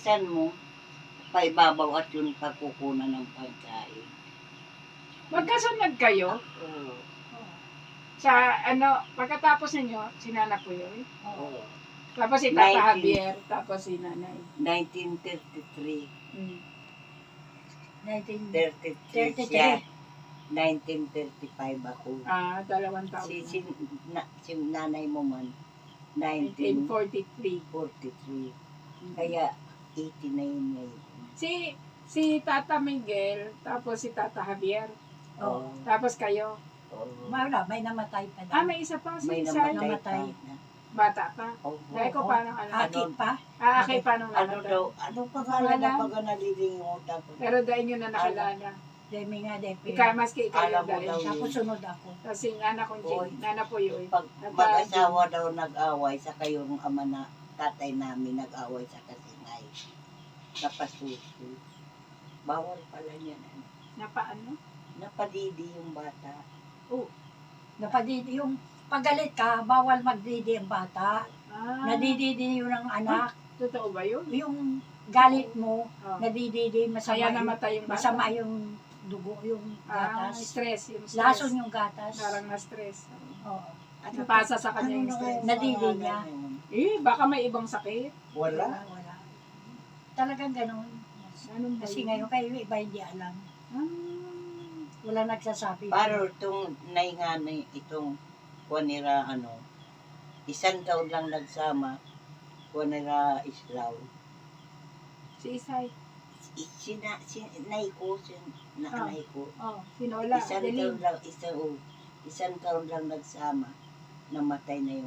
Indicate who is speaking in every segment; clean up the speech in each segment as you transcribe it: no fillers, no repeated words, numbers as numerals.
Speaker 1: bilisan mo, paibabaw at yung pagkukunan ng pagkain.
Speaker 2: Magkasunod kayo?
Speaker 1: Oo.
Speaker 2: Sa pagkatapos ninyo, si Nana po yun.
Speaker 1: Oo.
Speaker 2: Tapos si Tata Javier, tapos si Nanay.
Speaker 1: 1933.
Speaker 3: 1933
Speaker 1: 33 siya. 1935 ako.
Speaker 2: Dalawang taon.
Speaker 1: Si nanay mo man,
Speaker 2: 1943.
Speaker 1: 1943. Kaya 80 na yun ngayon.
Speaker 2: Si Tata Miguel, tapos si Tata Javier,
Speaker 1: Oo.
Speaker 2: tapos kayo.
Speaker 1: Oo.
Speaker 3: Wala, may namatay pa daw.
Speaker 2: May isa pa, si
Speaker 1: May
Speaker 2: Isay.
Speaker 3: namatay.
Speaker 2: Bata pa.
Speaker 1: Oo.
Speaker 2: Dahil ko parang
Speaker 3: Akit pa.
Speaker 2: Akay pa nung
Speaker 1: Ano
Speaker 2: namatay.
Speaker 1: daw, anong pangalan na pag nalilimutan ko?
Speaker 2: Pero dahil nyo na nakilala.
Speaker 3: Demi nga, Depe.
Speaker 2: Maski ikaw
Speaker 1: Alam
Speaker 2: yung
Speaker 1: mo
Speaker 2: dahil.
Speaker 1: daw.
Speaker 3: Tapos sunod ako.
Speaker 2: Kasi Nana kong Jane, Nana po yun.
Speaker 1: Pag mag-asawa daw nag-away, saka yung ama na tatay namin nag-away sa kasinay. Napasuso. Bawal pala niyan.
Speaker 2: Napaano?
Speaker 1: Napadidi yung bata.
Speaker 3: Napadidi yung paggalit ka, bawal magdidi ang bata. Nadididi yun ang anak.
Speaker 2: Totoo ba yun?
Speaker 3: Yung galit mo, nadididi,
Speaker 2: Kaya
Speaker 3: masama,
Speaker 2: namatay yung bata.
Speaker 3: masama yung dugo, yung gatas.
Speaker 2: Stress. Yung stress.
Speaker 3: Lason yung gatas.
Speaker 2: Parang na-stress.
Speaker 3: Oo.
Speaker 2: Napasa sa kanya yung stress.
Speaker 3: Nadidi niya.
Speaker 2: Baka may ibang sakit.
Speaker 1: Wala.
Speaker 3: Wala. Talagang ganun.
Speaker 2: Anong ba
Speaker 3: Kasi
Speaker 2: yun?
Speaker 3: ngayon kayo iba hindi alam. Wala nagsasabi.
Speaker 1: Pero itong nainganay, itong kuwanira, isang taon lang nagsama, kuwanira Islaw.
Speaker 2: Si Isay.
Speaker 1: Nay ko, nanay ko.
Speaker 2: Sinola.
Speaker 1: Isang taon lang nagsama, namatay na.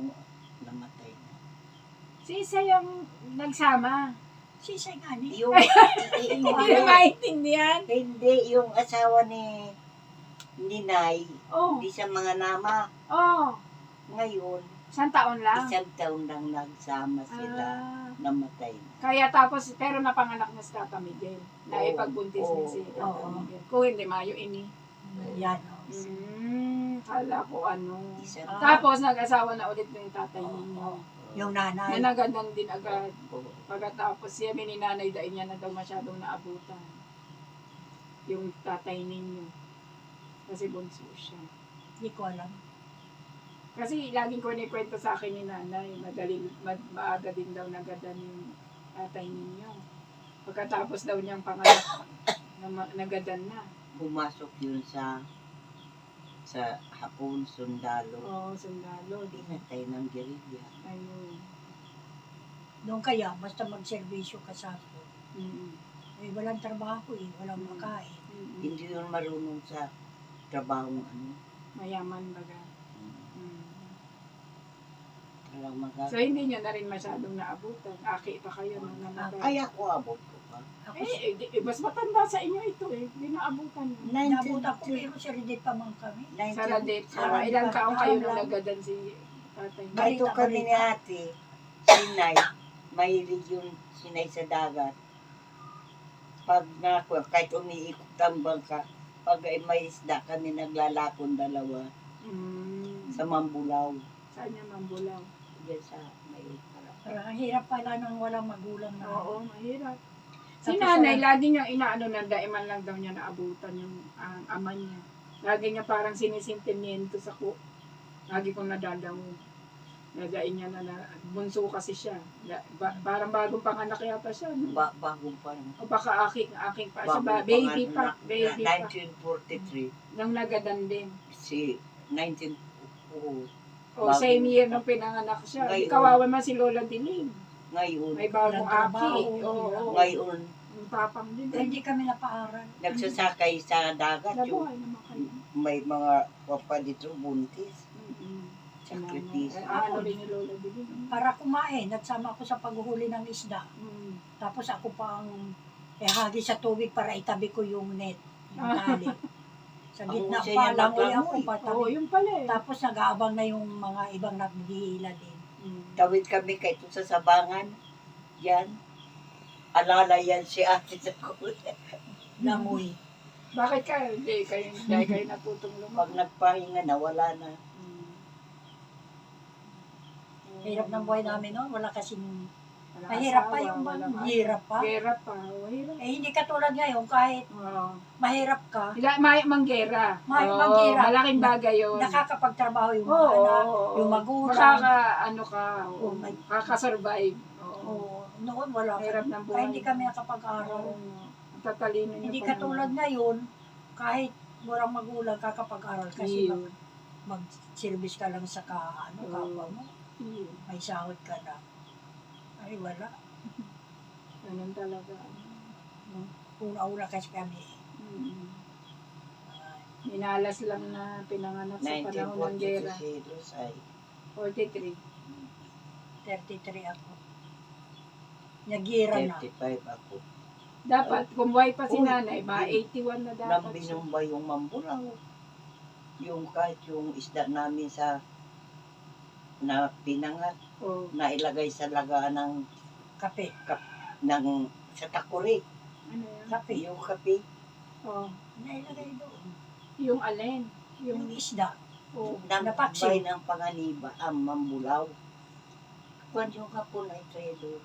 Speaker 2: Si Isay ang nagsama.
Speaker 3: Sisay nga ni.
Speaker 1: Yung,
Speaker 2: Hindi na maintindihan.
Speaker 1: hindi, yung asawa ni Nay, hindi siya mga nama. Ngayon,
Speaker 2: Isang taon lang.
Speaker 1: isang taon lang nagsama sila, namatay na.
Speaker 2: Kaya tapos, pero napanganak na si Tata Miguel. Na ipagbuntis niya si Tata
Speaker 3: Oo.
Speaker 2: Miguel. Kung hindi, Mayo ini.
Speaker 3: Yan.
Speaker 2: Kala ko
Speaker 1: Isang
Speaker 2: Tapos, nag-asawa na ulit ng tatay ninyo.
Speaker 3: Yung nanay.
Speaker 2: Nanagadan din agad. Pagkatapos, siya ni nanay dahil niya na daw masyadong naabutan. Yung tatay ninyo. Kasi bunso siya.
Speaker 3: Hindi ko alam.
Speaker 2: Kasi laging ko kwento sa akin ni nanay, maaga din daw nagadan yung tatay ninyo. Pagkatapos daw niyang panganak, nagadan na.
Speaker 1: pumasok yun sa Hapon, sundalo.
Speaker 2: Sundalo.
Speaker 1: Pinatay ng gerilya.
Speaker 2: Ayun.
Speaker 3: Doon kaya, basta magserbisyo ka sa ako.
Speaker 2: Mm.
Speaker 3: Walang trabaho walang makain.
Speaker 1: Hindi yun marunong sa trabaho
Speaker 2: Mayaman baga. So,
Speaker 1: So,
Speaker 2: hindi niyo na rin masyadong naabutan. Aki pa kayo nung namatay.
Speaker 1: ay ako abot ko pa.
Speaker 3: Ako,
Speaker 2: Mas matanda sa inyo ito Hindi naabutan mo.
Speaker 3: nabuta ko, pero si Ridit pa man kami.
Speaker 2: Sa Ladet.
Speaker 3: Sarap.
Speaker 2: Ilang taong kayo nung
Speaker 3: Lang.
Speaker 2: nagadan si tatay.
Speaker 1: Kahit kami ni ate, sinay, mahilig yung sinay sa dagat. Pag kahit umiikot ang bangka, pag may isda kami naglalakon dalawa sa Mambulaw.
Speaker 2: Saan niya Mambulaw?
Speaker 1: Diyan sa may harap.
Speaker 3: Parang ang hirap pala nang walang magulang na.
Speaker 2: Oo, mahirap. Si
Speaker 3: Tapos
Speaker 2: nanay, lagi niyang inaano na daiman lang daw niya naabutan yung ama niya. Lagi niya parang sinisintimiento sa ko. Lagi kong nadadaw. Nagain niya na bunso kasi siya. Parang bagong panganak yata siya. No?
Speaker 1: Bagong pa naman.
Speaker 2: O baka aking pa siya. Baby pa.
Speaker 1: 1943.
Speaker 2: Nang nagadan din.
Speaker 1: Si 19...
Speaker 2: O same year nung pinanganak siya. Di kawawa man si Lola Diling.
Speaker 1: Ngayon.
Speaker 2: May bagong
Speaker 3: Walang
Speaker 2: aki.
Speaker 3: trabaho.
Speaker 2: Oo.
Speaker 1: Ngayon,
Speaker 2: Yung tapang din.
Speaker 3: Hindi kami napaaral.
Speaker 1: nagsasakay sa dagat yung
Speaker 2: Nabuhay naman kayo.
Speaker 1: may mga papadito buntis.
Speaker 2: Sa
Speaker 1: Sakritis.
Speaker 2: Ano rin ni Lola Diling.
Speaker 3: Para kumain, nagsama ko sa paghuhuli ng isda. Tapos ako pang hagi sa tubig para itabi ko yung net, yung tali. Sa gitna
Speaker 1: Ang
Speaker 3: pa,
Speaker 1: usay niya
Speaker 3: langoy ako
Speaker 1: maglangoy.
Speaker 2: Oo,
Speaker 3: patabi.
Speaker 2: yung pala eh.
Speaker 3: Tapos nag-aabang na yung mga ibang naghihila din.
Speaker 1: Tawid kami kahit sa sabangan. Yan. Alala yan si ate sa kulay.
Speaker 3: Langoy.
Speaker 2: Bakit kayo? Dahil kayo natutong
Speaker 1: Pag
Speaker 2: lumaki.
Speaker 1: nagpahinga na, wala na.
Speaker 3: Hirap ng buhay namin noon, wala kasing
Speaker 2: wala
Speaker 3: Mahirap pa
Speaker 2: asawa,
Speaker 3: yung
Speaker 2: walang
Speaker 3: hirap pa.
Speaker 2: Hirap pa, hirap.
Speaker 3: Eh, hindi katulad ngayon, kahit
Speaker 2: Oo.
Speaker 3: mahirap ka,
Speaker 2: Manggera. Oo,
Speaker 3: manggera.
Speaker 2: malaking bagay yun.
Speaker 3: nakakapagtrabaho yung mga
Speaker 2: Oo,
Speaker 3: anak,
Speaker 2: oo.
Speaker 3: yung magulang.
Speaker 2: Ano ka, oo,
Speaker 3: Oh, may-
Speaker 2: kakasurvive. Oo.
Speaker 3: Oo, noon wala ka.
Speaker 2: Hirap ng buhay.
Speaker 3: Kaya hindi kami nakapag-aral.
Speaker 2: Oo. Tatalino niyo
Speaker 3: Hindi
Speaker 2: pa
Speaker 3: katulad
Speaker 2: naman.
Speaker 3: ngayon, kahit walang magulang kakapag-aral kasi
Speaker 2: Iyo.
Speaker 3: mag-service ka lang sa kapwa mo.
Speaker 2: Iyo.
Speaker 3: May sahod ka na. Ay, wala.
Speaker 2: Ganun talaga.
Speaker 3: Una-una kasi kami.
Speaker 2: Mm. Minalas lang na pinanganak sa panahon ng gera.
Speaker 1: 1942 ay
Speaker 2: 43.
Speaker 3: 33 ako. Nagira na.
Speaker 1: 35 ako.
Speaker 2: Dapat, kung buhay pa si
Speaker 1: Uy,
Speaker 2: nanay, mga 81 na dapat.
Speaker 1: Nang binumba yung mambulaw. Yung kahit yung isda namin sa na pinangat,
Speaker 2: Oh.
Speaker 1: nailagay sa laga ng
Speaker 3: Kape.
Speaker 1: sa takuri.
Speaker 2: Ano yan?
Speaker 3: Kape.
Speaker 1: Yung kape.
Speaker 2: Oh.
Speaker 3: Nailagay doon.
Speaker 2: Yung alin?
Speaker 3: Yung
Speaker 2: Yung,
Speaker 3: isda.
Speaker 2: oh.
Speaker 3: Napaksi.
Speaker 1: Nabay ng panganiba ang mambulaw. Kwan yung hapon ay tredo.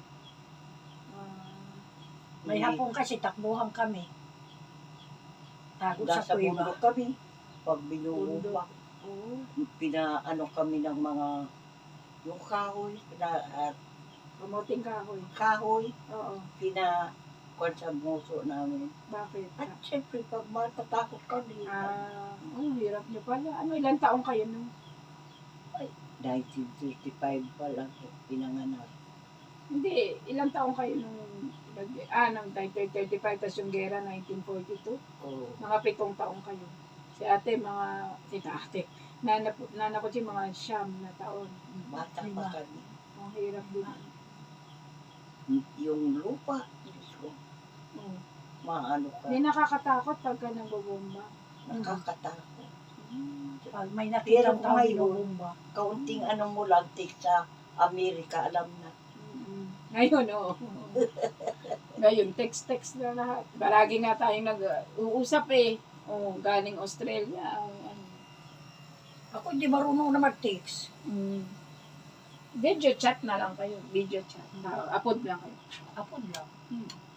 Speaker 3: May hapon kasi takbuhan kami. Tago sa
Speaker 1: Nasa
Speaker 3: kuiba.
Speaker 1: bundok kami. Pag binubumba,
Speaker 2: Oh.
Speaker 1: pinaano kami ng mga yung kahoy,
Speaker 2: Kamuting kahoy.
Speaker 1: kahoy,
Speaker 2: Oo.
Speaker 1: kwan sa muso namin.
Speaker 2: Bakit?
Speaker 1: At syempre, pag matatakot kami,
Speaker 2: Hirap niyo pala. Ano, ilang taong kayo nung?
Speaker 1: 1935 pa lang pinanganak.
Speaker 2: Hindi, ilang taong kayo nung nang 1935, tapos yung gera, 1942.
Speaker 1: Oh,
Speaker 2: Mga 7 taong kayo. Si ate, si ate, nana ko si mga 9 na taon.
Speaker 1: bata pa kami.
Speaker 2: Ang hirap din.
Speaker 1: Yung lupa, Diyos ko,
Speaker 2: Oh.
Speaker 1: maano ka,
Speaker 2: Hindi nakakatakot pagka nabobomba.
Speaker 1: nakakatakot.
Speaker 3: Pag may
Speaker 1: Pero
Speaker 3: nakitang tao
Speaker 1: ngayon,
Speaker 3: binubumba.
Speaker 1: Kaunting ano mo lang, take sa Amerika, alam na.
Speaker 2: Ngayon, oo. Ngayon, text na lahat. Palagi nga tayong nag-uusap eh. Oh, galing Australia. Ano.
Speaker 3: Ako hindi marunong na mag-text.
Speaker 2: Video chat na lang kayo. Video chat. Upload lang kayo.
Speaker 3: Apod lang.
Speaker 2: Hmm.